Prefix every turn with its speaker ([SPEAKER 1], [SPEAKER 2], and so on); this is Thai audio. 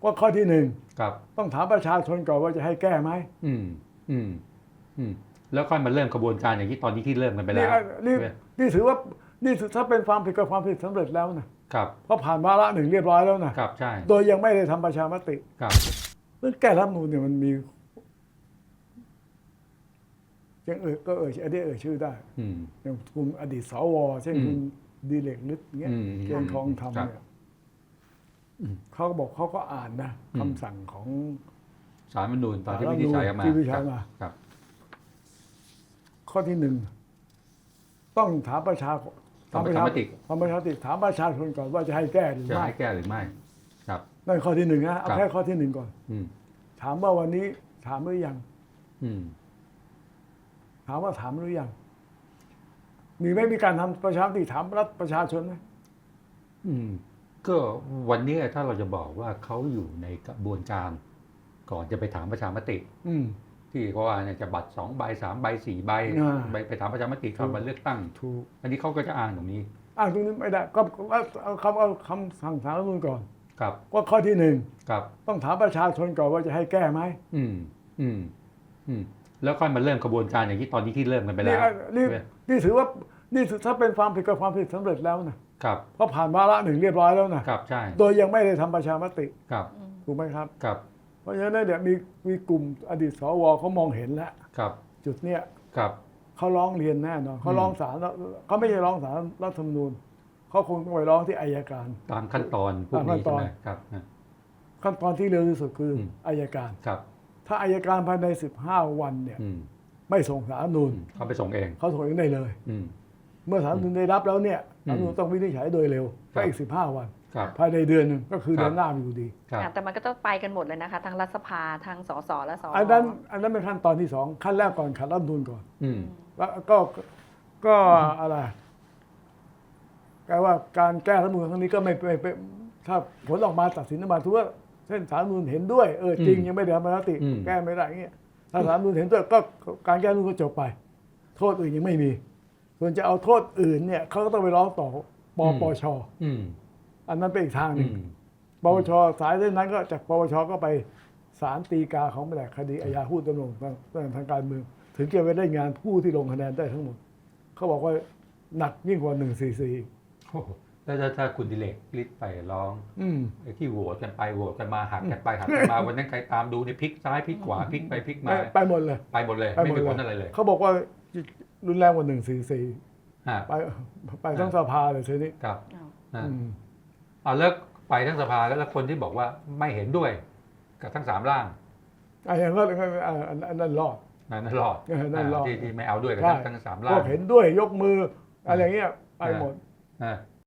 [SPEAKER 1] ว่าข้อที่หนึ่ง
[SPEAKER 2] ครับ
[SPEAKER 1] ต้องถามประชาชนก่อนว่าจะให้แก้ไหม
[SPEAKER 2] อืมอืมอืมแล้วค่อยมาเริ่มกระบวนการอย่างที่ตอนนี้ที่เริ่มกันไปแล้ว
[SPEAKER 1] นี่ถือว่านี่ถ้าเป็นความผิดกับความผิดสำเร็จแล้วนะครับ เพราะผ่านวาระหนึ่งเรียบร้อยแล้วนะครับ
[SPEAKER 2] ใช่
[SPEAKER 1] โดยยังไม่ได้ทำประชามติ
[SPEAKER 2] ครับ
[SPEAKER 1] เรื่องแก้รัฐธรรมนูญเนี่ยมันมียังอันนี้ชื่อได้อย่างกลุ่มอดีตสวเช่นคุณดีเลกฤทธิ์เงี้ยเจนทองธรรมเนี่ยเขาก็บอกเขาก็อ่านนะคำสั่งของ
[SPEAKER 2] ศาลรัฐธรรมนูญตอนที่วินิจฉัยมาครับ
[SPEAKER 1] ข้อที่หนึ่งต้องถามประชา
[SPEAKER 2] ทำประชามติ
[SPEAKER 1] ถามประชาชนก่อนว่าจะให้แก้หรือ
[SPEAKER 2] จะ
[SPEAKER 1] ไม่
[SPEAKER 2] ให้แก้หรือไม่ครับ
[SPEAKER 1] นั่นข้อที่หนึ่งนะเอาแค่ข้อที่หนึ่งก่อนถามว่าวันนี้ถามหรือยังถามว่าถามหรือยังมีการทำประชามติถามรัฐประชาชนไหม
[SPEAKER 2] ก็วันนี้ถ้าเราจะบอกว่าเขาอยู่ในกระบวนการก่อนจะไปถามประชามติที่เขาว่าเนี่ยจะบัตร2 ใบ 3 ใบ 4 ใบไปถามประชามติเข้ามาเลือกตั้งอันนี้เขาก็จะอ้างตรงนี้
[SPEAKER 1] ไม่ได้ก็เอาคำสั่งศาลรัฐธรรมนูญก่อน
[SPEAKER 2] ครับ
[SPEAKER 1] ว่าข้อที่หนึ่ง
[SPEAKER 2] ครับ
[SPEAKER 1] ต้องถามประชาชนก่อนว่าจะให้แก้ไหม
[SPEAKER 2] แล้วค่อยมาเริ่มกระบวนการอย่างที่ตอนนี้ที่เริ่มกันไปแล้ว
[SPEAKER 1] นี่ถือว่านี่ถ้าเป็นความผิดกับความผิดสำเร็จแล้วนะครับเพราะผ่านวาระหนึ่งเรียบร้อยแล้วนะครับ
[SPEAKER 2] ใช่
[SPEAKER 1] โดยยังไม่ได้ทำประชามติ
[SPEAKER 2] ครับ
[SPEAKER 1] ถูกไหมครับ
[SPEAKER 2] ครับ
[SPEAKER 1] เพราะฉะนั้นเนี่ยมีกลุ่มอดีตสวเขามองเห็นแล้วจุดเนี้ยเขาร้องเรียนแน่นอนเขาร้องศาลเขาไม่ใช่ร้องศาลรัฐธรรมนูญเขาคงต้องไปร้องที่อัยการ
[SPEAKER 2] ตามขั้นตอนพวกนี้ใช่ไหมครับ
[SPEAKER 1] ขั้นตอนที่เร็วที่สุดคืออัยการถ้าอัยการภายใน15 วันเนี่ยไม่ส่งศาลรัฐธรรมนูญ
[SPEAKER 2] เขาไปส่งเอง
[SPEAKER 1] เขาส่งเองได้เลยเมื่อศาลรัฐธรรมนูญได้รับแล้วเนี่ยศาลรัฐธรรมนูญต้องวินิจฉัยโดยเร็วก็อีก15 วันภายในเดือนนึงก็คือเดือนหน้าอยู่ดี
[SPEAKER 3] แต่มันก็ต้องไปกันหมดเลยนะคะทั้งรัฐสภาทั้งสสและสว
[SPEAKER 1] อันนั้นเป็นขั้นตอนที่2ขั้นแรกก่อนขัดรัฐธรรมนูญก่อนแล้วก็อะไรแปลว่าการแก้รัฐธรรมนูญครั้งนี้ก็ไม่ถ้าผลออกมาตัดสินออกมาถือว่าเช่นศาลรัฐธรรมนูญเห็นด้วยจริงยังไม่ได้ทำประชามติแก้ไม่ได้เงี้ยถ้าศาลรัฐธรรมนูญเห็นด้วยก็การแก้รัฐธรรมนูญก็จบไปโทษอื่นยังไม่มีส่วนจะเอาโทษอื่นเนี่ยเขาก็ต้องไปร้องต่อปปชอันนั้นเป็นอีกทางหนึ่งปปชสายเส้นนั้นก็จากปปชก็ไปศาลฎีกาของแผนกคดีอาญาผู้ดำรงทางการเมืองถึงจะไปได้งานผู้ที่ลงคะแนนได้ทั้งหมดเขาบอกว่าหนักยิ่งกว่า144
[SPEAKER 2] แล้วถ้าคุณดิเลกฤทธิ์ไปร้องไอ้ที่โหวตกันไปโหวตกันมาหักกันไปหักกันมาวันนั้นใครตามดูในพลิกซ้ายพลิกขวาพลิกไปพลิกมา
[SPEAKER 1] ไปหมดเลย
[SPEAKER 2] ไม่มีผลอะไรเลย
[SPEAKER 1] เขาบอกว่ารุนแรงกว่า144ไปทั้งสภาเลยทีนี้
[SPEAKER 2] ครับแล้วไปทั้งสภาแล้วคนที่บอกว่าไม่เห็นด้วยกับทั้ง3 ร่าง
[SPEAKER 1] อย่างนั้นรอด
[SPEAKER 2] นั่นรอดที่ไม่เอาด้วยกับทั้ง3 ร่าง
[SPEAKER 1] พวกเห็นด้วยยกมืออะไรเงี้ยไปหมด